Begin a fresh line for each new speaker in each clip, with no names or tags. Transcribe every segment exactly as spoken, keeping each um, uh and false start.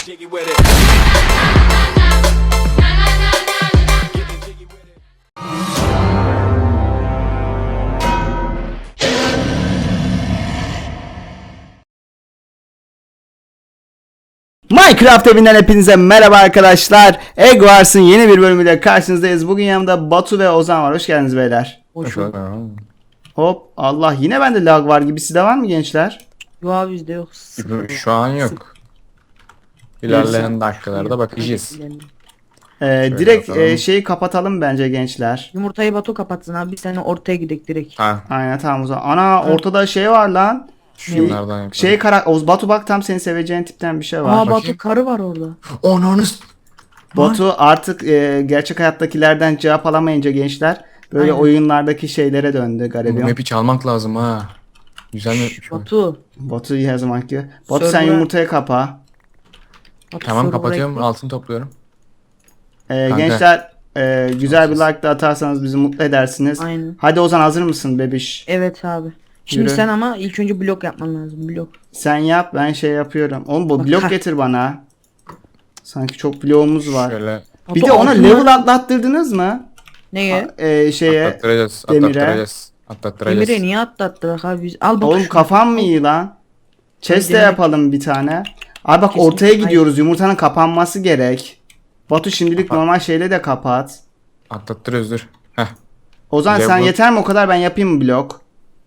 jiggy with it.
Minecraft evinden hepinize merhaba arkadaşlar. Egg Wars'ın yeni bir bölümüyle karşınızdayız. Bugün yanımda Batu ve Ozan var. Hoş geldiniz beyler.
Hoş bulduk.
Hop Allah, yine bende lag var gibi. Sizde var mı gençler?
Yok abi bizde yok. Sıfır.
Şu an yok. İlerleyen dakikalarda bakacağız.
Ee, direkt
yapalım.
e, şeyi kapatalım bence gençler.
Yumurtayı Batu kapatsın abi. Biz seninle ortaya gidelim direkt.
Ha,
Aynen, tamam o zaman. Ana, ortada şey var lan.
şunlardan yapalım.
Şey kara Oz Batu, bak tam senin seveceğin tipten bir şey var.
Aa Batu
bakayım.
karı var orada.
Onunuz.
Batu artık e, gerçek hayattakilerden cevap alamayınca gençler böyle
Aynen.
oyunlardaki şeylere döndü
Bu
garibiyon.
map'i çalmak lazım ha. Güzel map'miş bu.
Batu.
Batu her zamanki. Batu sen
Server'a-
yumurtayı kapa.
Batu
Tamam,
server'a
kapatıyorum,
ekle.
altın topluyorum.
Ee,
Kanka.
gençler e, güzel bir like de atarsanız bizi mutlu edersiniz.
Aynen.
Hadi Ozan, hazır mısın bebiş?
Evet abi. Şimdi
Yürü.
sen ama ilk önce blok yapman lazım. Blok.
Sen yap, ben şey yapıyorum. Oğlum bu
Bak,
blok
ha.
getir bana. Sanki çok bloğumuz var.
Şöyle
Bir
Batu,
de ona
altın
level
var.
atlattırdınız mı?
Neye?
Ee, şeye
atlattıracağız,
demire.
atlattıracağız. Atlattıracağız.
Emir'e niye atlattık abi biz? Al bak
Oğlum
şunu.
kafam mı iyi lan? Chest de
demir-
yapalım bir tane. Abi bak,
Kesinlikle
ortaya
hayır.
gidiyoruz. Yumurtanın kapanması gerek. Batu şimdilik
Kapat.
normal şeyle de kapat.
Atlattırıyoruz, dur. Heh.
Ozan sen
Level-
yeter mi o kadar, ben yapayım mı blok?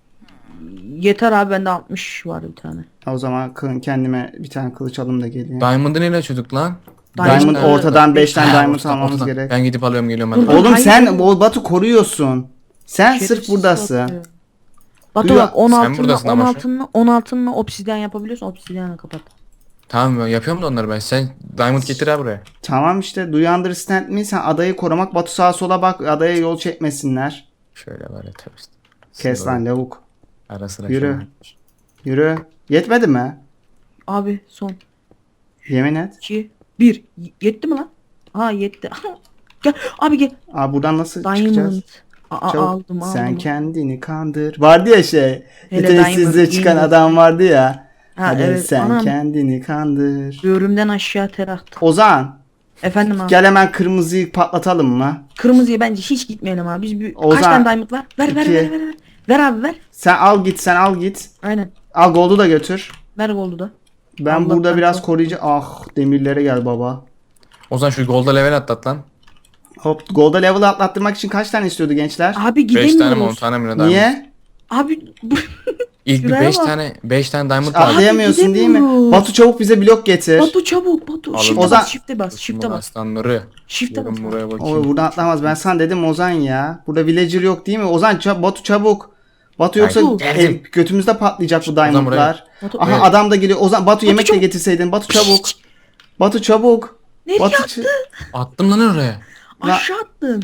Yeter abi bende altmış var bir tane.
O zaman kı- kendime bir tane kılıç alayım da geleyim.
Diamond'ı neyle açıyorduk lan?
Diamond
Diamond-
ortadan beş tane
Ha,
diamond
ortadan,
almamız
ortadan.
gerek.
Ben gidip alıyorum, geliyorum hadi.
Dur,
Oğlum
Hayır.
sen o Batu koruyorsun. Sen sırf
Şerefsiz
buradasın.
Batu. Batu
Duyuyor-
bak on
Sen
altınla
buradasın
on
ama şu-
altınla on altınla obsidyen yapabiliyorsun. Obsidyenle kapat.
Tamam, ben yapıyorum da onları ben. Sen Diamond getir ha buraya.
Tamam işte, do you understand me? Sen adayı korumak, Batu sağa sola bak, adaya yol çekmesinler.
Şöyle var ya, tabii işte.
Kes lan lavuk.
Ara sıra
Yürü.
şöyle.
Yürü. Yetmedi mi?
Abi son.
Yemin et.
iki, bir. Y- Yetti mi lan? Ha yetti. Gel abi gel.
Aa, buradan nasıl
Diamond.
çıkacağız?
Aa,
Çabuk.
aldım aldım.
Sen kendini kandır. Vardı ya şey.
Hele
Yeteneksizliğe
Diamond,
çıkan
Diamond.
adam vardı ya.
Ha,
Hadi
evet,
sen
anam.
kendini kandır.
Böğrümden aşağı ter attı.
Ozan,
Efendim abi.
gel hemen kırmızıyı patlatalım mı?
Kırmızıya bence hiç gitmeyelim abi. Biz bir...
Ozan,
Kaç tane diamond var? Ver ver
iki.
ver ver ver. Ver abi ver.
Sen al git, sen al git.
Aynen.
Al gold'u da götür.
Ver goldu da.
Ben
Allah
burada
ben
biraz
çok-
koruyucu... Ah, demirlere gel baba.
O zaman şu Gold'a level atlat lan.
Hop, gold'a level atlattırmak için kaç tane istiyordu gençler?
Abi
beş tane mi on
gidemiyoruz.
tane mi ne Diamond?
Niye?
Abi bu...
İlk bir
Şuraya
beş
bak.
tane beş tane Diamond lazım.
Atlayamıyorsun değil mi?
gidemiyoruz.
Batu çabuk bize blok getir.
Batu çabuk Batu.
Alın.
Shift'e
Ozan-
bas shift'e bas shift'e bas.
Aslanları.
Shift'e bas.
Gelin buraya
Oy,
bakayım.
buradan atlamaz. Ben sana dedim Ozan ya. Burada villager yok değil mi? Ozan çab Batu çabuk. Batu yoksa
Ay, geldim.
el, götümüzde patlayacak bu
Ozan
diamondlar.
buraya.
Batu,
Aha
Evet.
adam da geliyor. Ozan Batu yemek de
çabuk.
getirseydin. Batu çabuk. Batu çabuk.
Nereye
Batu
attın?
ç-
Attım lan oraya.
Aşağı attın.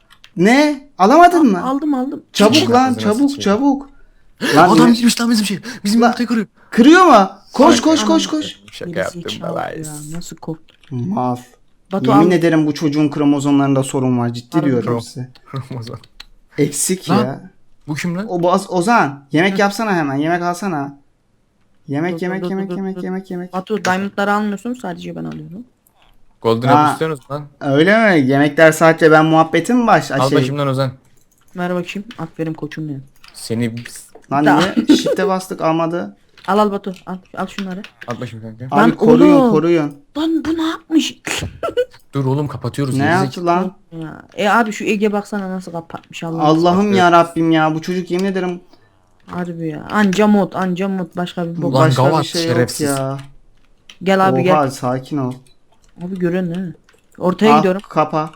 Ne? Alamadın mı?
Aldım aldım.
Çabuk lan,
Ağzına
çabuk
sıçayım.
çabuk. Lan
Adam
yine-
girmiş lan bizim şey. Bizim
Lan-
yumurtayı kırıyor.
kırıyor mu? Koş
Ay,
koş
aman.
koş koş.
Şaka
Birisi
yaptım
çaldı
da
ya. Nasıl korktum.
Mal.
Batu
Yemin
al.
ederim bu çocuğun kromozomlarında sorun var. Ciddi
Harbi.
diyorum
Krom.
size.
Ramazan.
Eksik
Lan.
ya.
Bu kim lan?
O Boz- Ozan yemek yapsana hemen. Yemek alsana. Yemek
Dur,
yemek
dur,
yemek
dur,
yemek
dur.
yemek yemek.
Batu diamondları almıyorsun sadece ben alıyorum.
Golden
Ha.
Apple istiyorsunuz lan.
Öyle mi? Yemekler sadece ben muhabbetim mi baş?
Al
Şey,
başımdan Ozan.
Ver bakayım. Aferin koçum benim.
Seni
lan
Da-
niye? Shift'e bastık almadı.
Al al Batu. Al, al şunları.
at başımı kanka.
Abi
Lan
koruyun
oğlum.
koruyun.
Lan bu ne yapmış?
Dur oğlum, kapatıyoruz.
Ne
gerizekalı.
yaptı lan?
ya. E abi şu Ege baksana nasıl kapatmış Allah.
Allah'ım ya Rabbim ya, bu çocuk yemin ederim
Harbi ya. Anca mod anca mod başka bir bok.
Ulan
başka
gavat,
bir şey
şerefsiz.
yok ya.
Gel abi
Oha
gel.
sakin ol.
Abi görün değil mi? Ortaya
Al,
gidiyorum.
kapa.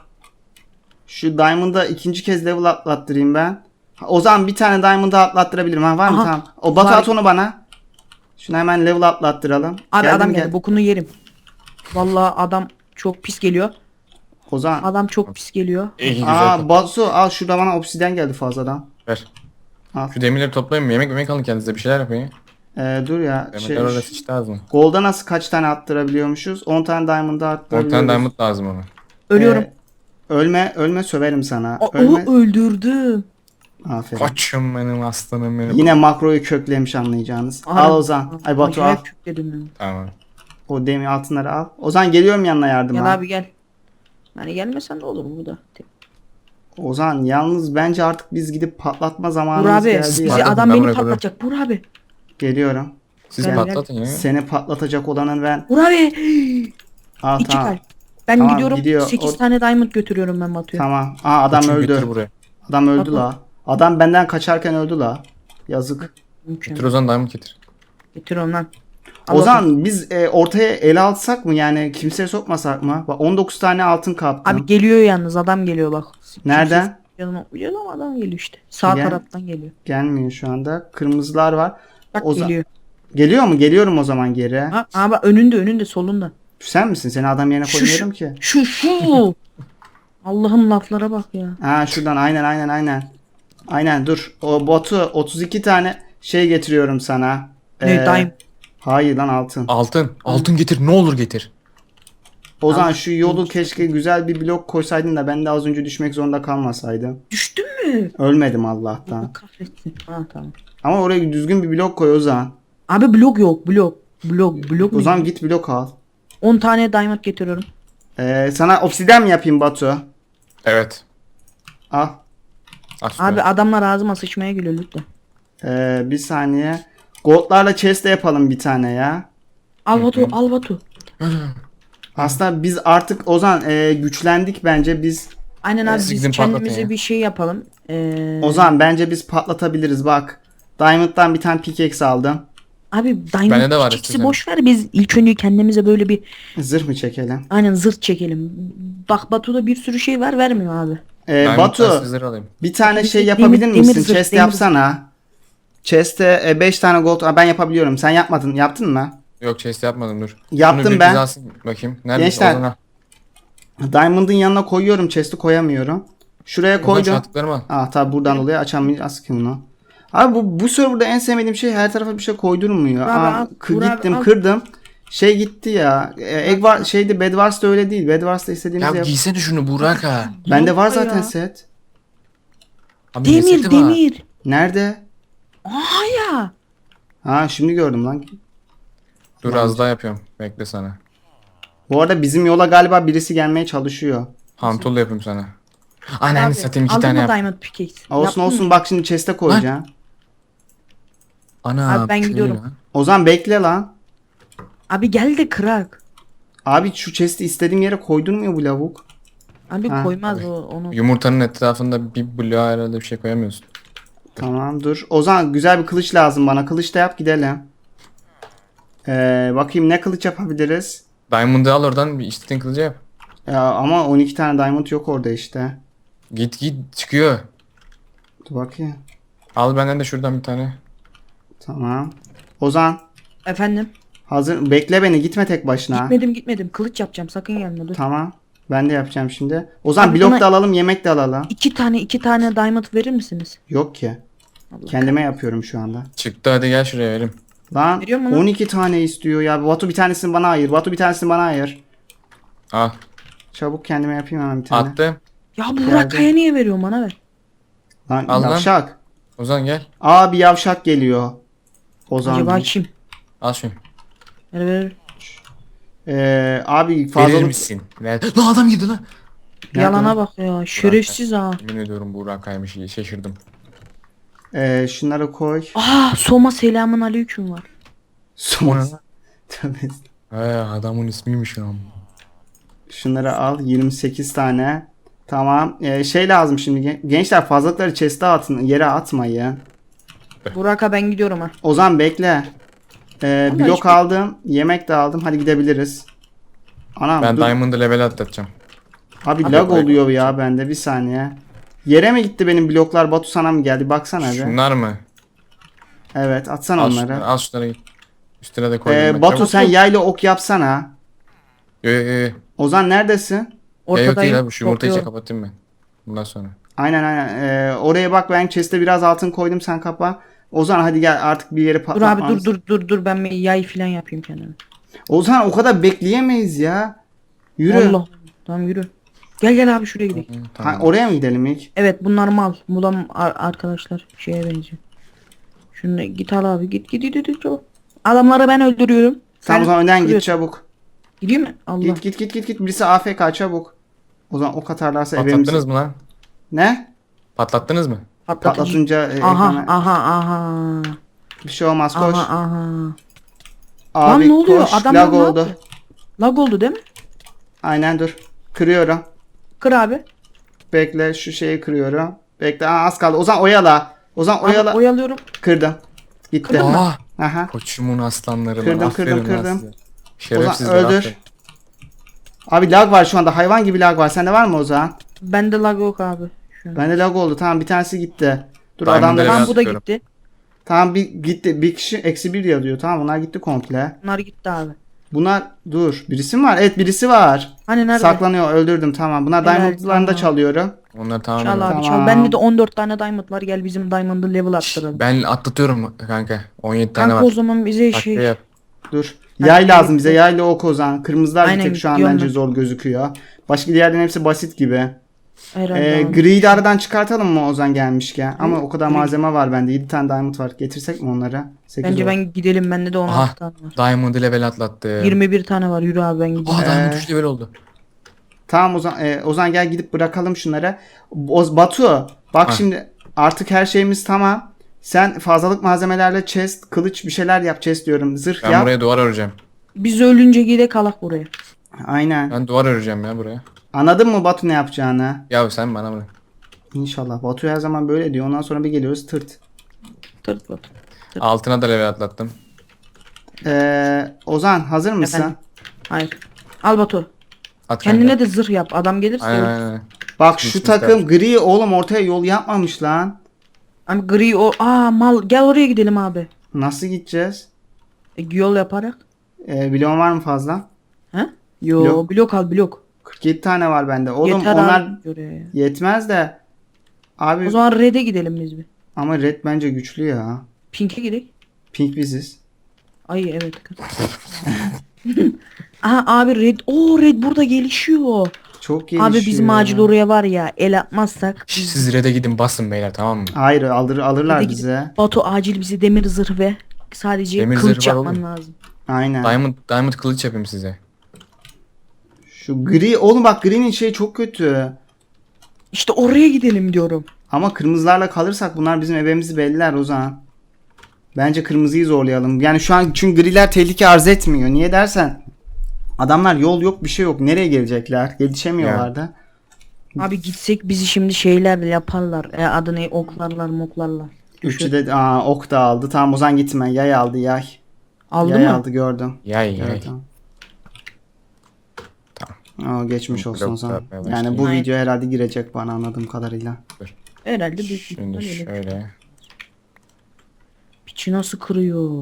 Şu Diamond'a ikinci kez level atlattırayım ben. Ha, o zaman bir tane Diamond'a atlattırabilirim. Ha, var mı?
Aha.
Tamam. O Batu
Var.
at onu bana. Şunu hemen level atlattıralım.
Abi
Geldim,
adam
gel.
geldi. Bokunu yerim. Vallahi adam çok pis geliyor.
O zaman.
Adam çok pis geliyor.
İyi güzel.
Aa
top.
Batu al, şurada bana obsidyen geldi fazladan.
Ver.
Al.
Şu demirleri toplayın mı? Yemek yemek alın kendinize, bir şeyler yapın ya.
Ee, dur ya.
Yemekler
Şey,
orada sıçtı ağzına.
Gold'a nasıl kaç tane attırabiliyormuşuz? on tane Diamond'a
on
attırabiliyoruz.
tane Diamond lazım ona.
Ölüyorum.
Ee, ölme, ölme söverim sana.
Aa,
Ölme.
o öldürdüm.
Aferin.
Koçum benim, aslanım benim.
Yine makroyu köklemiş anlayacağınız.
Aha.
Al Ozan. Ay Batu al.
Acayip kökledim ya.
Tamam.
O demir altınları al. Ozan geliyorum yanına yardıma.
Gel abi gel. Hani gelmesen de olur burada.
Ozan yalnız bence artık biz gidip patlatma
Bur
zamanımız
abi
geldi
bizi
ya.
Patlatın,
adam
ben
beni
buraya koyuyorum.
patlatacak. Bur abi.
Geliyorum.
Siz
Gel,
patlatın ya.
Seni patlatacak olanın ben.
Bur abi.
Aa,
İki
tamam.
kalp. Ben
Tamam,
gidiyorum.
gidiyor.
sekiz
O-
tane diamond götürüyorum ben Batu'ya.
Tamam. Aa adam
Koçum,
öldü.
Götür buraya.
Adam öldü
Batu.
la. Adam benden kaçarken öldü la. Yazık.
Getir
Mükemmel.
Ozan diamond getir.
Getiriyorum lan. Al bakalım.
Ozan biz e, ortaya ele alsak mı yani kimseye sokmasak mı? Bak on dokuz tane altın kaptım.
Abi geliyor yalnız adam geliyor bak.
Nereden?
Yanıma uyuyor ama adam geliyor işte. Sağ
Gel.
taraftan geliyor.
Gelmiyor şu anda. Kırmızılar var.
Bak
Ozan-
geliyor.
Geliyor mu? Geliyorum o zaman geri.
Ha, abi önünde önünde solunda.
Sen misin? Seni adam yerine
Şu,
koymuyorum ki.
Şu şu. Allah'ım laflara bak ya.
Ha şuradan aynen aynen aynen. Aynen dur. O botu otuz iki tane şey getiriyorum sana.
Ne
Ee,
daim.
Hayır lan altın.
Altın. Altın getir. Ne olur getir.
Ozan şu yolu keşke güzel bir blok koysaydın da ben de az önce düşmek zorunda kalmasaydım.
Düştün mü?
Ölmedim Allah'tan.
Kahretsin. Ha tamam.
Ama oraya düzgün bir blok koy Ozan.
Abi blok yok blok. Blok blok mu?
Ozan git blok al.
on tane diamond getiriyorum.
Ee, sana obsidyen mi yapayım Batu?
Evet.
Al.
Aç
Abi adamlar ağzıma sıçmaya geliyor lütfen.
Ee, bir saniye. Goldlarla chest de yapalım bir tane ya.
Al Batu al Batu.
Aslında biz artık Ozan e, güçlendik bence biz.
Aynen abi
siz
biz
gidin patlatın
kendimize
ya.
bir şey yapalım. Ee,
Ozan bence biz patlatabiliriz bak. Diamond'dan bir tane pickaxe aldım.
Abi diamond
Bende de var
pickaxe'i
istedim.
boş ver biz ilk önce kendimize böyle bir
Zırh mı çekelim?
aynen zırh çekelim. Bak Batu'da bir sürü şey var vermiyor abi.
Ee,
Diamond'dan
Batu
sizleri alayım.
bir tane
Demir-
şey
demir-
yapabilir
demir
misin?
zırh,
Chest
demir
yapsana. Chest'e beş tane gold. Aa, ben yapabiliyorum. Sen yapmadın. Yaptın mı?
Yok chest yapmadım dur.
Yaptım
Şunu bir
ben.
biz alsın bakayım. Nerede?
Gençler,
Ozan al.
Diamond'ın yanına koyuyorum. Chest'i koyamıyorum. Şuraya
Ozan
koydum.
çattıklarımı al.
Aa tabi buradan dolayı açamayacağız ki bunu. Abi bu, bu serverda en sevmediğim şey her tarafa bir şey koydurmuyor.
Abi,
Aa,
al,
kı-
Burak,
gittim
al.
kırdım. Şey gitti ya. E, Egg var şeydi Bedwars'ta öyle değil. Bedwars'ta
Ya
istediğinizi yap.
giysene şunu Burak ha.
Bende var
Yapma
zaten
ya.
set.
Abi ne
Demir
seti var?
demir.
Nerede?
Aa ya.
Ha şimdi gördüm lan.
Dur az daha yapıyorum. Bekle sana.
Bu arada bizim yola galiba birisi gelmeye çalışıyor.
Hantul yapayım sana. Ananı
Abi,
satayım iki
aldın
tane
mı
yap.
diamond pickaxe?
Olsun
Yaptın
olsun
mı?
bak şimdi chest'e koyacağım.
Ana.
Abi ben
şöyle
gidiyorum.
lan.
Ozan bekle lan.
Abi gel de kırak.
Abi şu chest'i istediğim yere koydurmuyor bu lavuk.
Abi
Ha,
koymaz o onu.
Yumurtanın etrafında bir bloğa herhalde bir şey koyamıyorsun.
Tamam dur. Ozan güzel bir kılıç lazım bana. Kılıç da yap gidelim. Ee, bakayım ne kılıç yapabiliriz.
Diamond'ı al oradan bir istediğin kılıcı yap.
Ya ama on iki tane diamond yok orada işte.
Git git çıkıyor.
Dur bakayım.
Al benden de şuradan bir tane.
Tamam. Ozan
Efendim?
hazır. Bekle beni gitme tek başına.
Gitmedim gitmedim. Kılıç yapacağım sakın gelme dur.
Tamam. Ben de yapacağım şimdi. Ozan
Abi
blok
bana-
da alalım yemek de alalım.
İki tane iki tane diamond verir misiniz?
Yok ki.
Allah
Kendime yapıyorum şu anda.
Çıktı hadi gel şuraya verim.
Lan
Veriyor mu lan?
on iki tane istiyor ya. Batu bir tanesini bana ayır. Batu bir tanesini bana ayır.
Al.
Çabuk kendime yapayım hemen bir tane.
Attım.
Ya Burak Kaya niye veriyor bana ver.
Lan
Al lan.
yavşak.
Ozan gel.
Abi yavşak geliyor. Ozan.
Acaba
diyor.
kim?
Al şunu.
Ver ver.
Ee, abi
Verir
fazlalık.
misin? Ver. Lan adam girdi lan.
Nerede
Yalana
o?
bak ya. Şerefsiz ha.
Yemin ediyorum Burak kaymış iyi şaşırdım.
Ee, şunları koy.
Aa Soma selamun aleyküm var.
Son. Tövbe.
He adamın ismiymiş ya.
Şunları al. yirmi sekiz tane. Tamam. Ee, şey lazım şimdi. gen- Gençler fazlalıkları chest'e atın. Yere atmayın.
Burak'a ben gidiyorum ha.
Ozan bekle. Ee,
Ama
blok
hiçbir-
aldım. Yemek de aldım. Hadi gidebiliriz. Anam
Ben
dur.
Diamond'ı level atlatacağım.
Abi
Abi
lag
koy.
oluyor ya bende bir saniye. Yere mi gitti benim bloklar? Batu sana mı geldi? Baksana be.
Şunlar mı?
Evet atsana
Al
onları.
şunları, al şunları git. Üstüne de koy.
Ee, Batu sen yayla ok yapsana.
Yo yo yo.
Ozan neredesin?
Ya yok
Ortadayım.
değil abi şu yumurtayı
topluyorum.
kapatayım ben. Bundan sonra.
Aynen aynen. Ee, oraya bak ben chest'e biraz altın koydum sen kapa. Ozan hadi gel artık bir yere
Dur
patlatmamız.
abi dur dur dur dur ben bir yay filan yapayım kendime.
Ozan o kadar bekleyemeyiz ya. Yürü.
Allah. Tamam yürü. Gel gel abi şuraya gidelim.
Hı,
Ha,
tamam.
oraya mı gidelim ilk?
Evet bunlar mal. Mulam ar- arkadaşlar şeye benziyor. Şunu git al abi git git git git çabuk. Adamları ben öldürüyorum.
Tamam o zaman önden git
kırıyorsun.
çabuk.
Gidiyor mu? Allah.
Git git git git git. Birisi A F K çabuk. O zaman ok atarlarsa
Patlattınız
evimiz...
mı lan?
Ne?
Patlattınız mı?
Patlatıcı.
Patlatınca e,
Aha
ekrana-
aha aha.
bir şey olmaz koş.
Aha aha.
Abi
Lan ne oluyor?
koş.
Adamlar
Lag
ne
oldu.
yaptı? Lag oldu değil mi?
Aynen dur. Kırıyorum.
Kır abi.
Bekle şu şeyi kırıyorum. Bekle Aa, az kaldı. Ozan oyala. Ozan oyala.
Abi, oyalıyorum.
Kırdım. Gitti.
Kırdın mı?
Aa!
Aha.
Koçumun aslanları
Kırdım,
lan.
kırdım,
Aferin lan
kırdım.
size. Şerefsizler
Ozan öldür.
aferin.
Abi lag var şu anda. Hayvan gibi lag var. Sende var mı Ozan?
Bende lag yok abi. Şu an.
Bende lag oldu. Tamam bir tanesi gitti. Dur
Diamond'ları
adamlar.
ben-
Tamam bu da
atıyorum.
gitti.
Tamam bir gitti. Bir kişi eksi bir yazıyor. Tamam bunlar gitti komple.
Bunlar gitti abi.
Bunlar dur. Birisi mi var? Evet birisi var.
Hani nerede?
Saklanıyor. Öldürdüm tamam. Bunlar
Helal,
diamondlarını da
tamam.
çalıyorum.
Onlar tamam.
Çal abi
Tamam.
çal. Bende de on dört tane diamond var. Gel bizim diamond'ı level attıralım.
Ben atlatıyorum kanka. on yedi tane
Kanka o
var.
zaman bize
Takviye
şey.
yap.
Dur.
Hadi
Yay
gel
lazım
gidelim.
bize. Yayla ok Ozan. Kırmızılar bir
Aynen,
tek şu an
gidiyorum
bence
ben.
zor gözüküyor. Başka diğerlerin hepsi basit gibi.
Herhalde
Ee,
abi.
griyi de aradan çıkartalım mı Ozan gelmişken? Ama o kadar
Gri-
malzeme var bende. yedi tane diamond var. Getirsek mi onları? sekiz
Bence
oldu.
ben gidelim. Bende de on
Aha.
altı tane var.
Diamond level atlattı.
yirmi bir tane var. Yürü abi ben gideyim.
Aa Diamond
Ee,
üç level oldu.
Tamam Ozan, e, Ozan gel gidip bırakalım şunları. Oz, Batu bak
Ha.
şimdi artık her şeyimiz tamam. Sen fazlalık malzemelerle chest, kılıç bir şeyler yap chest diyorum. Zırh
Ben
yap.
buraya duvar öreceğim.
Biz ölünce gide kalak buraya.
Aynen.
Ben duvar öreceğim ya buraya.
Anladın mı Batu ne yapacağını?
Ya sen bana bırak.
İnşallah. Batu her zaman böyle diyor. Ondan sonra bir geliyoruz tırt.
Tırt bak.
Altına da level atlattım.
Ee, Ozan hazır mısın?
Efendim? Hayır. Al Batu.
At
Kendine
kanka.
de zırh yap. Adam gelirse
Aynen
ölür.
aynen.
Bak şu
Düşmüş
takım gri oğlum ortaya yol yapmamış lan.
Ama gri o. Aa mal. Gel oraya gidelim abi.
Nasıl gideceğiz?
E, yol yaparak.
Ee, bloğun var mı fazla?
He? Yo
Blok.
blok, al blok.
kırk yedi tane var bende. Oğlum
Yeter
onlar
abi. Göre ya.
yetmez de. Abi
O zaman red'e gidelim biz bir.
ama red bence güçlü ya.
Pink'e gidelim.
Pink biziz.
Ay evet. Aha abi red. Oo red burada gelişiyor.
Çok gelişiyor.
Abi bizim acil oraya var ya el atmazsak.
Şş, Siz red'e gidin basın beyler tamam mı?
Hayır alır, alırlar
Red'e
bize.
gidip- Batu acil bize demir zırh ve sadece
Demir
kılıç
zırh var
yapman
oğlum.
lazım.
Aynen.
Diamond Diamond kılıç yapayım size.
Şu gri oğlum bak gri'nin şeyi çok kötü.
İşte oraya gidelim diyorum.
Ama kırmızılarla kalırsak bunlar bizim ebemizi belliler Ozan. Bence kırmızıyı zorlayalım. Yani şu an çünkü griler tehlike arz etmiyor. Niye dersen adamlar yol yok bir şey yok. Nereye gelecekler? Gelişemiyorlar da.
Abi gitsek bizi şimdi şeylerle yaparlar. E, adı ne oklarlar moklarlar.
Üçü de aa, ok da aldı. Tamam Ozan gitme. Yay aldı yay.
Aldı
yay
mı?
aldı gördüm.
Yay yay.
Gördüm. Aa, geçmiş
Blok
olsun Ozan.
yapmaya
Yani
başlayayım.
bu
Aynen.
video herhalde girecek bana anladığım kadarıyla.
Herhalde büyük
Şimdi
ihtimalle öyle.
şöyle.
Piçi nasıl kırıyor?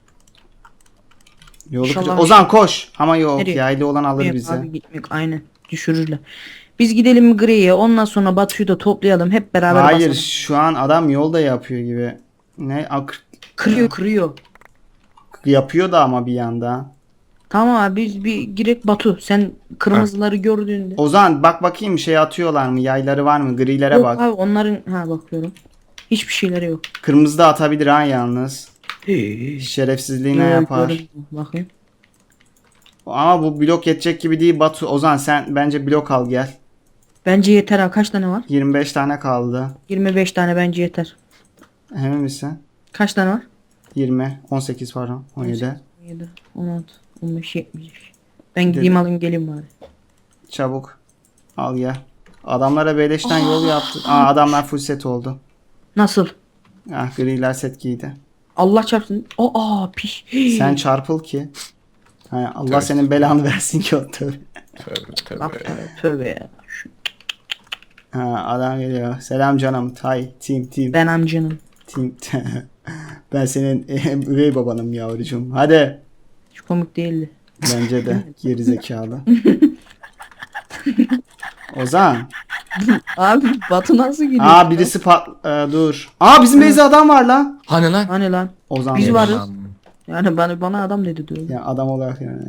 Yolu
İnşallah-
kıracak. Ozan koş. Ama yok
Nereye?
yaylı olan alır
Yok
bizi.
abi gitmek aynen düşürürler. Biz gidelim griye ondan sonra Batu'yu da toplayalım hep beraber
Hayır
basalım.
şu an adam yolda yapıyor gibi. Ne ak
Kırıyor kırıyor.
yapıyor da ama bir yanda.
Tamam abi biz bir girek Batu sen kırmızıları gördüğünde.
Ozan bak bakayım şey atıyorlar mı? Yayları var mı? Grilere
Yok
bak.
abi onların ha bakıyorum. Hiçbir şeyleri yok.
Kırmızı da atabilir ha yalnız. Şerefsizliğine
Yok,
yapar.
gördüm. Bakayım.
Ama bu blok yetecek gibi değil Batu. Ozan sen bence blok al gel.
Bence yeter ha kaç tane var?
yirmi beş tane kaldı.
yirmi beş tane bence yeter.
Emin misin?
Kaç tane var?
yirmi, on sekiz pardon, on yedi.
on yedi, on altı, on beş, yetmiş. Ben gideyim alayım geleyim bari.
Çabuk. Al gel. Adamlara beleşten yol yaptı. Aa adamlar full set oldu.
Nasıl?
Ah griler set giydi.
Allah çarpsın. Aa piş.
Sen çarpıl ki. Ha, Allah
Tövbe.
senin belanı versin ki o tövbe.
Tövbe tövbe.
Bak tövbe, tövbe ya. Şu-
Ha, adam geliyor. Selam canım. Tay. Team team.
Ben amcanım.
Team. Ben senin üvey babanım yavrucuğum. Hadi.
Hiç komik değildi.
Bence de. Geri zekalı. Ozan.
Abi Batu nasıl gidiyor?
Aa birisi pat... Ee, dur. Aa bizim Beyza adam var lan.
Hani lan?
Hani lan?
Ozan.
Biz
dedi.
varız.
Tamam.
Yani bana, bana adam dedi diyor.
Ya adam olarak yani.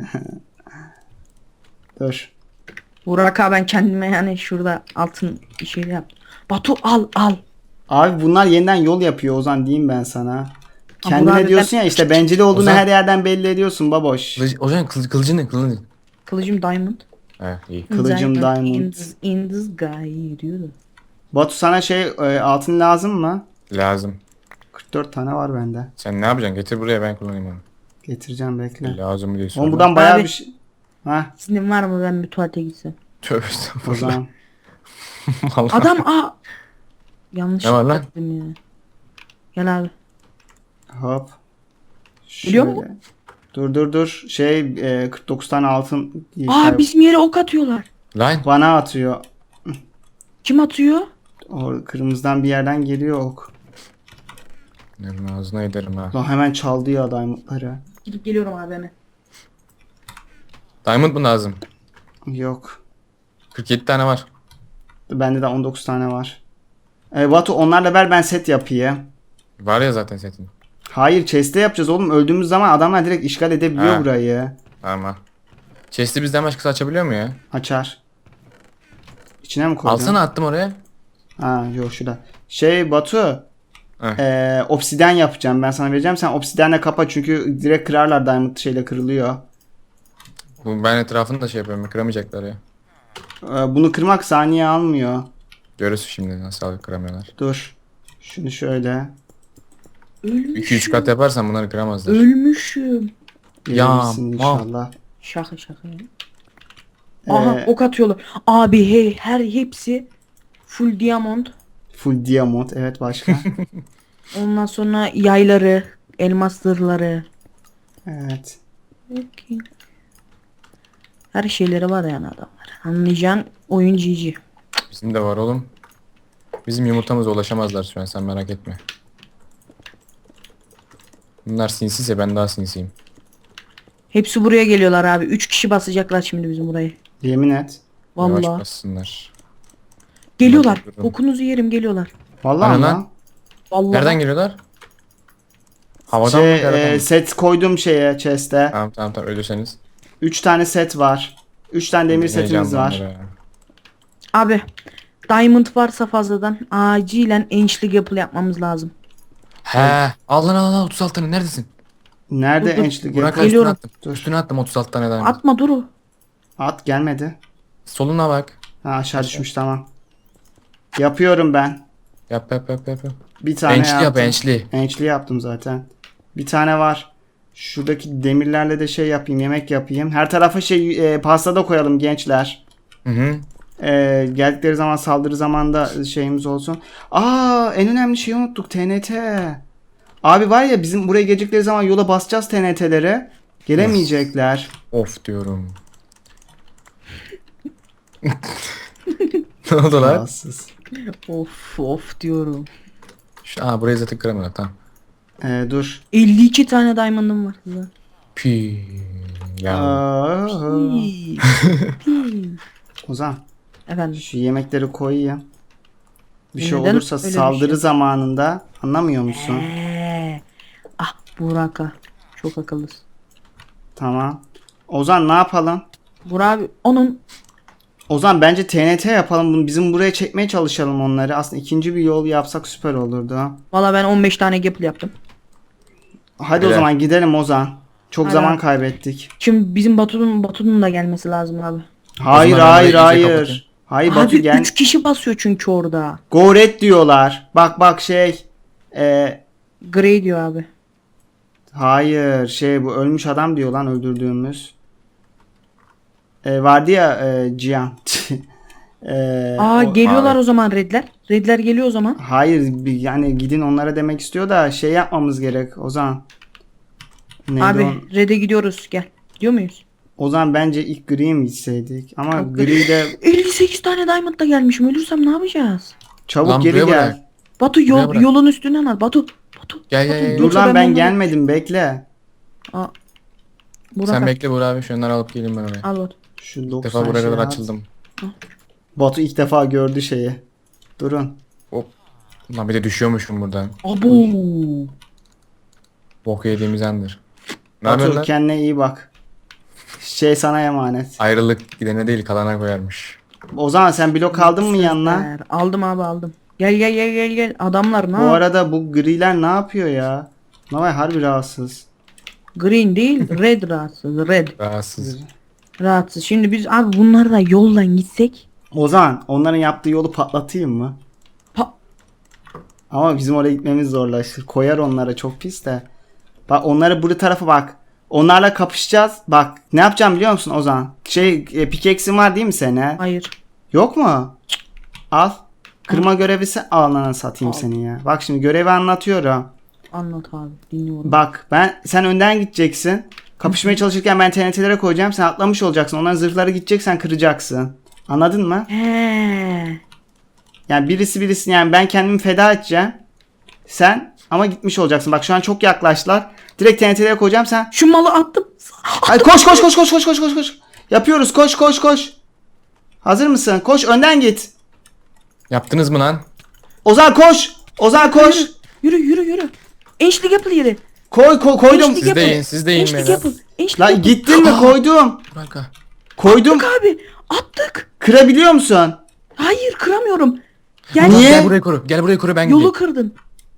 Dur.
Burak abi ben kendime yani şurada altın bir şey yaptım. Batu al al.
Abi bunlar yeniden yol yapıyor Ozan diyeyim ben sana. Kendine
Burak abi
diyorsun ya işte bencil olduğunu
Ozan-
her yerden belli ediyorsun baboş.
Kılıç, Ozan kılıç, kılıcı ne kılıcı?
Kılıcım diamond.
He iyi.
Kılıcım diamond.
In, the- in the sky diyordu.
Batu sana şey e, altın lazım mı?
Lazım.
kırk dört tane var bende.
Sen ne yapacaksın? Getir buraya ben kullanayım onu.
Getireceğim bekle.
Lazım mı diye
Oğlum
sorma.
buradan bayağı
Abi.
bir şey. Hah
Sizin var mı ben bir tuvalete gitsem?
Tövbe
o
estağfurullah.
zaman.
Vallahi.
Adam aa. Yanlış
Ne var lan?
yaptım ya. Gel abi.
Hop.
Biliyor mu?
Şöyle. Dur dur dur. Şey e, kırk dokuz tane altın
Aa bizim yere ok atıyorlar.
Lan.
bana atıyor.
Kim atıyor?
O kırmızıdan bir yerden geliyor ok.
Benim ağzına ederim ha.
Lan hemen çaldı ya diamondları.
Gidip geliyorum abi hemen.
Diamond mı lazım?
Yok.
kırk yedi tane var.
Bende de on dokuz tane var. E, Batu onlarla ver ben set yapayım.
Var ya zaten setin.
Hayır chest'te yapacağız oğlum. Öldüğümüz zaman adamlar direkt işgal edebiliyor
Ha.
burayı.
Ama. Chest'i bizden başkası açabiliyor mu ya?
Açar. İçine mi koydun?
Alsana attım oraya.
Ha yok şurada. Şey Batu.
Heh.
E, obsidyen yapacağım. Ben sana vereceğim. Sen obsidyenle kapa çünkü direkt kırarlar diamond şeyle kırılıyor.
Bu ben etrafını da şey yapıyorum. Kıramayacaklar ya.
E, bunu kırmak saniye almıyor.
Görürsün şimdi nasıl kıramıyorlar.
Dur. Şunu şöyle.
Ölmüşüm.
iki üç kat yaparsan bunları kıramazlar.
Ölmüşüm.
Ya,
Verirsin inşallah.
Şaka şaka. Aha
Ee,
ok atıyorlar. Abi hey her hepsi full diamond.
Full diamond. Evet başka.
Ondan sonra yayları, elmas zırhları.
Evet.
Her şeyleri var yani adamlar. Anlayacağın oyun G G.
Bizim de var oğlum. Bizim yumurtamıza ulaşamazlar şu an sen merak etme. Bunlar sinsiyse ben daha sinsiyim.
Hepsi buraya geliyorlar abi. Üç kişi basacaklar şimdi bizim burayı.
Yemin et.
Yavaş
Vallahi.
bassınlar.
Geliyorlar.
Durun.
Okunuzu yerim geliyorlar.
Vallahi
Ana
ama.
lan.
Vallahi.
Nereden geliyorlar? Havadan mı?
Şey,
Karadan
e,
mı?
set koydum şeye chest'e.
Tamam tamam tamam ölürseniz.
üç tane set var. üç tane demir setimiz
Heyecanlı
var.
onlara ya.
Abi. Diamond varsa fazladan acilen enchli yapıl yapmamız lazım.
He. Al lan al lan otuz altı tane neredesin?
Nerede
Dur, dur.
ençlik
Burak
yapı?
üstüne
Geliyorum.
attım. Üstüne attım otuz altı tane diamond.
Atma dur.
At gelmedi.
Soluna bak.
Ha aşağı düşmüş tamam. Yapıyorum ben.
Yap yap yap yap. yap.
Bir tane
Ençli yap
yaptım.
ençli.
Ençli yaptım zaten. Bir tane var. Şuradaki demirlerle de şey yapayım, yemek yapayım. Her tarafa şey e, pasta da koyalım gençler.
Hı hı.
E, geldikleri zaman saldırı zamanında şeyimiz olsun. Aa en önemli şeyi unuttuk T N T. Abi var ya bizim buraya gelecekleri zaman yola basacağız T N T'lere. Gelemeyecekler.
Of diyorum. Ne oldu lan?
Rahatsız.
Of of diyorum.
Şu, aa burayı zaten kıramıyorlar tamam.
E, dur.
elli iki tane diamond'ım var. Kızlar.
Pi. Ya.
Aa,
Hii. Hii.
Ozan
Efendim.
şu yemekleri koyayım. Bir şey
Neden
olursa
öyle bir
saldırı
şey?
zamanında anlamıyor musun?
Ee, ah Burak'a. Çok akıllısın.
Tamam. Ozan ne yapalım?
Burak abi onun
Ozan bence T N T yapalım bunu. Bizim buraya çekmeye çalışalım onları. Aslında ikinci bir yol yapsak süper olurdu.
valla ben on beş tane gapple yaptım.
Hadi
Helal.
o zaman gidelim Ozan. Çok
Hadi
zaman
abi.
kaybettik.
Şimdi bizim Batu'nun Batu'nun da gelmesi lazım abi.
Hayır
zaman ben
hayır
burayı iyice
hayır.
kapatayım.
Hayır Batu
Abi
gel.
üç kişi basıyor çünkü orada.
Go red diyorlar. Bak bak şey. E,
Grey diyor abi.
hayır şey bu ölmüş adam diyor lan öldürdüğümüz. E, vardı ya e, Cihan. E,
Aa
o-
geliyorlar
abi.
o zaman redler. Redler geliyor o zaman.
Hayır bir- yani gidin onlara demek istiyor da şey yapmamız gerek Ozan. Neydi
abi
on-
red'e gidiyoruz gel. Gidiyor muyuz?
Ozan bence ilk gri mi içseydik? Ama
Yok,
gri de
elli sekiz tane diamond da gelmişim. Ölürsem ne yapacağız?
çabuk
Lan
geri
buraya
gel.
bırak.
Batu
Buraya
yol,
bırak.
yolun üstünden al. Batu. Batu.
Gel gel
Batu,
gel.
Dur
yoksa
lan ben
onları-
gelmedim bekle.
Aa. Burak
Sen
al.
bekle Burak abi şunları alıp geleyim ben oraya.
Al Batu.
Şu
Bir
doksan
defa buraya
şey
kadar
at.
açıldım.
Batu ilk defa gördü şeyi. Durun.
Hop. Lan bir de düşüyormuşum buradan.
Abo.
Bok yediğimiz andır. Ne yapıyorsun
Batu
lan?
kendine iyi bak. Şey sana emanet.
Ayrılık gidene değil kalana koyarmış.
Ozan sen blok aldın mı yanına?
Sözler. Aldım abi aldım. Gel gel gel gel gel. Adamlar ne
Bu
yap-
arada bu griler ne yapıyor ya? Navay harbi rahatsız.
Green değil red rahatsız. Red.
Rahatsız.
Rahatsız. Şimdi biz abi bunlarla yoldan gitsek.
Ozan onların yaptığı yolu patlatayım mı?
Pa
Ama bizim oraya gitmemiz zorlaşır. Koyar onlara çok pis de. Bak onları bu tarafa bak. Onlarla kapışacağız. Bak ne yapacağım biliyor musun Ozan? Şey e, pickaxe'in var değil mi senin?
hayır.
Yok mu? Al. Kırma görevisi alana satayım
Al.
seni ya. Bak şimdi görevi anlatıyorum.
Anlat abi. Dinliyorum.
Bak ben sen önden gideceksin. Kapışmaya çalışırken ben T N T'lere koyacağım. Sen atlamış olacaksın. Onların zırhları gidecek sen kıracaksın. Anladın mı?
He.
Yani birisi birisi yani ben kendimi feda edeceğim. Sen ama gitmiş olacaksın. Bak şu an çok yaklaştılar. Direkt T N T'lere koyacağım sen.
Şu malı attım.
Ay koş koş koş koş koş koş koş koş. Yapıyoruz koş koş koş. Hazır mısın? Koş önden git.
Yaptınız mı lan?
Ozan koş. Ozan koş.
Yürü yürü yürü. Ençlik yapıl yeri.
Koy koy koydum.
Ençlik
Siz
yapıl.
de yiyin, siz de yiyin
Ençlik
beyler.
yapıl. Ençlik
La
yapıl.
gittin mi koydum.
Kanka.
Koydum.
Attık abi. Attık.
Kırabiliyor musun?
Hayır kıramıyorum. Gel.
Niye?
Gel buraya koru. Gel buraya koru ben
Yolu
gideyim.
kırdın.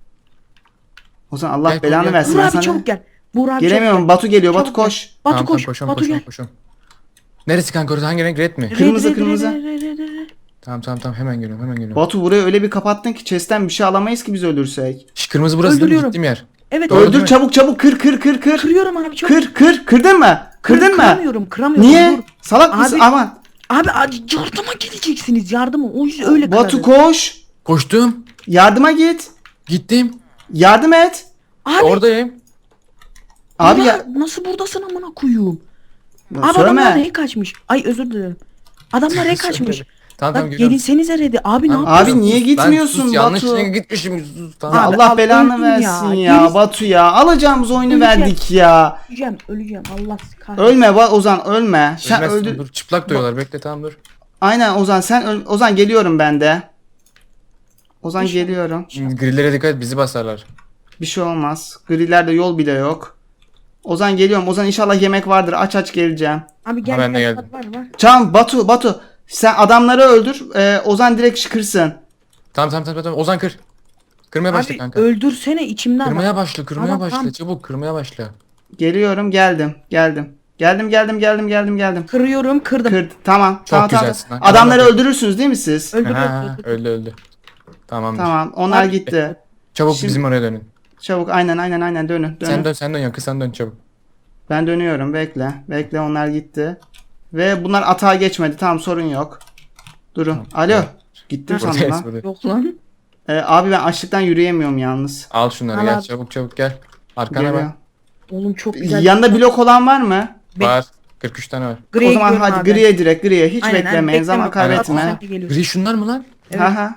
Ozan Allah
Gel,
belanı
gel.
versin.
Buğra
ben
abi
sana-
çabuk gel. Buğra abi
Gelemiyorum.
çabuk
Batu geliyor.
gel.
Batu
Çabuk
koş.
gel. Batu
Tamam,
koş.
tamam, koşuyorum,
Batu
koşuyorum,
gel.
koşuyorum. Neresi kanka orası? Hangi renk? Red mi?
Kırmızı,
Red, red,
kırmızı.
red, red, red, red.
Tamam tamam tamam hemen geliyorum hemen geliyorum.
Batu burayı öyle bir kapattın ki chest'ten bir şey alamayız ki biz ölürsek.
Şş, kırmızı burası değil mi?
Öldürüyorum.
Gittiğim yer.
Evet.
Doğru değil
Öldür
mi?
çabuk çabuk kır kır kır kır.
Kırıyorum abi çabuk.
Kır kır. Kırdın mı? Kırdın mı?
Kıramıyorum kıramıyorum.
Niye?
Dur.
Salak
Abi-
mısın? Aman.
Abi acı yardıma gideceksiniz yardıma. O yüzden öyle
Batu
kırarız.
koş.
Koştum.
Yardıma git.
Gittim.
Yardım et.
Abi,
Oradayım.
Abi
ya,
ya.
nasıl buradasın amına koyayım? Abi adamlar
Söyleme.
rey kaçmış. Ay özür dilerim. Adamlar rey kaçmış.
Tamam tamam
Bak
geliyorum.
gelinsenize redi. Abi ne
Tamam.
yapıyorsun?
Abi niye
Ben
gitmiyorsun
sus, yanlış
Batu?
yere gitmişim. Sus,
Ya
tamam.
Abi,
Allah
al,
belanı
öldüm
versin
ya.
ya,
Gerisi-
Batu ya. Alacağımız oyunu
Öleceğim.
verdik ya.
Öleceğim öleceğim Allah kahretsin.
Ölme ba- Ozan ölme. Sen
Ölmezsin,
öldü.
Dur çıplak doyuyorlar bekle tamam dur.
Aynen Ozan sen öl- Ozan geliyorum ben de. Ozan
İnşallah.
geliyorum.
Şimdi grillere dikkat et bizi basarlar.
Bir şey olmaz. Grilerde yol bile yok. Ozan geliyorum. Ozan inşallah yemek vardır. Aç aç geleceğim.
Abi gel.
Ha, ben de
gel,
geldim.
Var var.
Tamam Batu Batu. Sen adamları öldür. Ee, Ozan direkt şıkırsın.
Tamam tamam tamam tamam Ozan kır. Kırmaya başla
Abi
kanka.
öldürsene içimden.
Kırmaya
bak.
başla kırmaya
Tamam,
başla
tamam.
çabuk kırmaya başla.
Geliyorum geldim. Geldim. Geldim geldim geldim geldim geldim.
Kırıyorum kırdım.
Kırdı. Tamam. tamam, tamam.
güzelsin lan.
Adamları
Adamlar-
öldürürsünüz değil mi siz?
Öldürüyorum.
Ha, öldü öldü. Tamamdır.
Tamam. Onlar
Abi-
gitti.
Çabuk
Şimdi-
bizim oraya dönün.
Çabuk aynen aynen aynen dönün. dönün.
Sen dön sen dön yakın sen dön çabuk.
Ben dönüyorum bekle. Bekle onlar gitti. Ve bunlar atağa geçmedi. Tamam sorun yok. Durun. Alo. Gittim sandım
Buradayız
lan.
burada.
Yok lan.
Ee, abi ben açlıktan yürüyemiyorum yalnız.
Al şunları
Al
gel
abi.
çabuk çabuk gel. Arkana
Geliyor.
bak.
Oğlum çok güzel.
Yanında blok olan var mı?
Be-
Var. kırk üç tane var.
Griye
o zaman
gidiyorum
hadi
abi.
griye direkt griye. Hiç
Aynen, aynen,
beklemeyin. Zaman
bekleme.
kaybetme.
Sen de geliyorsun.
Gri şunlar mı lan?
Evet.
Aha.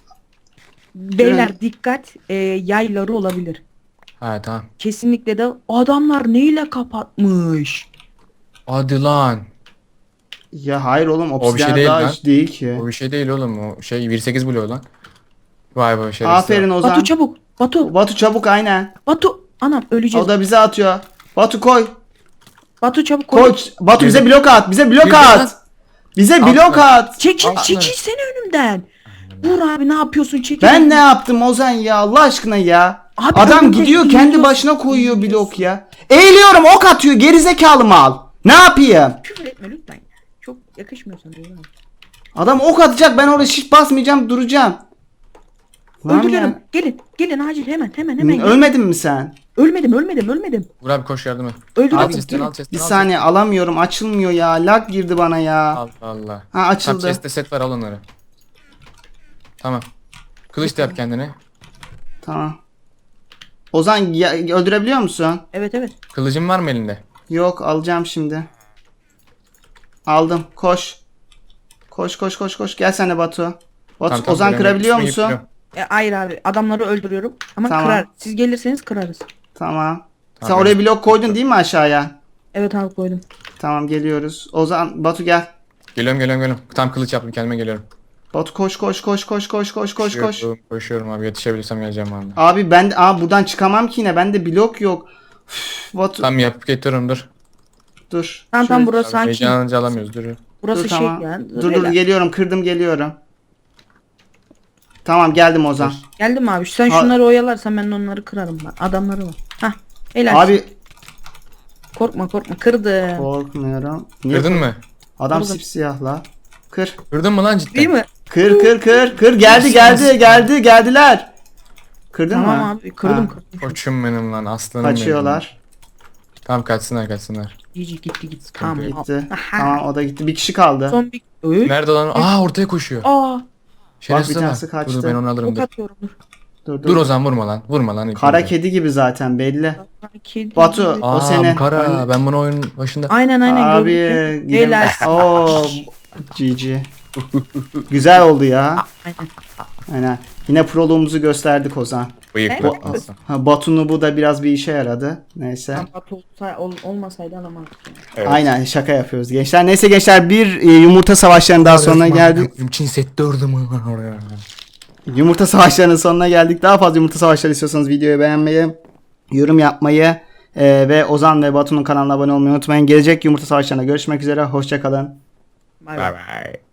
Beyler dikkat e, yayları olabilir.
Ha tamam.
Kesinlikle de adamlar neyle kapatmış.
Hadi lan.
Ya hayır oğlum
bir şey
obsidyen
değil
daha
lan.
hiç değil ki.
O bir şey değil oğlum. O şey bir sekiz buluyor lan. Vay be şerefsiz.
Aferin Ozan.
Batu çabuk. Batu.
Batu çabuk aynen.
Batu. Anam öleceğiz.
O da bize atıyor. Batu koy.
Batu çabuk koy.
Koy. Batu bize blok at. Bize blok
Girdi lan.
at. Bize
At
blok
lan.
at.
Çekil,
Al
çekil
şunları.
seni önümden. Vur abi ne yapıyorsun çekil.
Ben ne yaptım Ozan ya Allah aşkına ya.
Abi
Adam
önümde
gidiyor kendi
eğiliyorsun,
başına koyuyor
eğiliyorsun.
blok ya. Eğiliyorum ok atıyor gerizekalı mal. Ne yapayım?
Küfür etme lütfen. Çok yakışmıyor sana. oğlum.
Adam ok atacak ben orada shift basmayacağım duracağım. Lan
Öldürüyorum.
ya.
Gelin. Gelin acil hemen hemen hemen. gelin.
Ölmedin mi sen?
Ölmedim ölmedim ölmedim.
Vur abi koş yardıma.
Öldürüyorum.
Al chest'ten
gelin.
al chest'ten
Bir
al
saniye alamıyorum açılmıyor ya. Lag girdi bana ya.
chest'ten. Allah Allah.
Ha
Tam
açıldı.
chest'te set var al onları. Tamam. Kılıç da yap kendine.
Tamam. Ozan ya, öldürebiliyor musun?
Evet evet.
Kılıcın var mı elinde?
Yok alacağım şimdi. Aldım. Koş. Koş koş koş koş. Gel sen de Batu. Batu
Tamam, tamam,
Ozan
ben
kırabiliyor
yapıştırmayı
musun?
yapıyorum.
E, hayır abi adamları öldürüyorum. Ama
Tamam.
kırar. Siz gelirseniz kırarız.
Tamam. Sen
Tamam.
oraya blok koydun değil mi aşağıya?
Evet abi koydum.
Tamam geliyoruz. Ozan Batu gel.
Geliyorum geliyorum geliyorum. Tam kılıç yaptım kendime geliyorum.
Batu koş koş koş koş koş koş koş koş.
Koşuyorum, koşuyorum abi yetişebilirsem geleceğim abi.
Abi ben de aa buradan çıkamam ki yine. Bende blok yok. Üf, Batu
Tam yapıp getiriyorum dur.
dur.
Tamam
Şöyle-
tamam burası
Abi,
sakin.
heyecanlanınca alamıyoruz dur.
Burası
Dur,
şey
tamam.
ya.
Dur dur
Beyler.
geliyorum. Kırdım geliyorum. Tamam geldim Ozan.
Geldim mi abi? Sen
Ha-
şunları oyalarsan ben de onları kırarım. Bak. Adamları var. Hah. Helal.
Abi
Korkma korkma kırdım.
Korkmuyorum. Niye
Kırdın
kork-
mı?
Adam
Kırdım.
sipsiyah la. Kır.
Kırdın mı lan cidden?
Değil mi?
Kır kır kır. Kır geldi geldi geldi geldiler. Kırdın
Tamam
mı?
abi kırdım
Ha,
kırdım.
Koçum benim lan aslanım benim.
Kaçıyorlar.
Tamam kaçsınlar kaçsınlar.
İyice gitti gitti.
Sıkıntı
Tamam.
yok.
Gitti.
Aha.
Tamam o da gitti. Bir kişi kaldı.
Son bir... Öy.
Nerede lan? Aa ortaya koşuyor.
Aa.
Şerefsiz
bir
ama.
tanesi kaçtı.
Dur dur ben onu alırım
Ok
dur.
atıyorum dur.
Dur dur.
Dur Ozan vurma lan. Vurma lan. ilk
Kara
önce.
kedi gibi zaten belli.
Kedi.
Batu.
Aa
O seni.
bu kara. Ben bunu oyunun başında.
Aynen aynen.
Abi
gördüm.
gidelim.
Helal.
Oo. G G. Güzel oldu ya.
Aynen.
Aynen. Yine proluğumuzu gösterdik Ozan.
Bıyıklı.
Evet.
aslan.
Ha, Batu'nu bu da biraz bir işe yaradı. Neyse.
Tam Batu olsa, ol, olmasaydı alamazdık. Yani.
Evet.
Aynen şaka yapıyoruz gençler. Neyse gençler bir e, yumurta savaşlarının daha sonuna geldik.
Çin set dördüm oraya.
Yumurta savaşlarının sonuna geldik. Daha fazla yumurta savaşları istiyorsanız videoyu beğenmeyi, yorum yapmayı e, ve Ozan ve Batu'nun kanalına abone olmayı unutmayın. Gelecek yumurta savaşlarında görüşmek üzere. Hoşçakalın.
Bay
Bye
bay.
bye.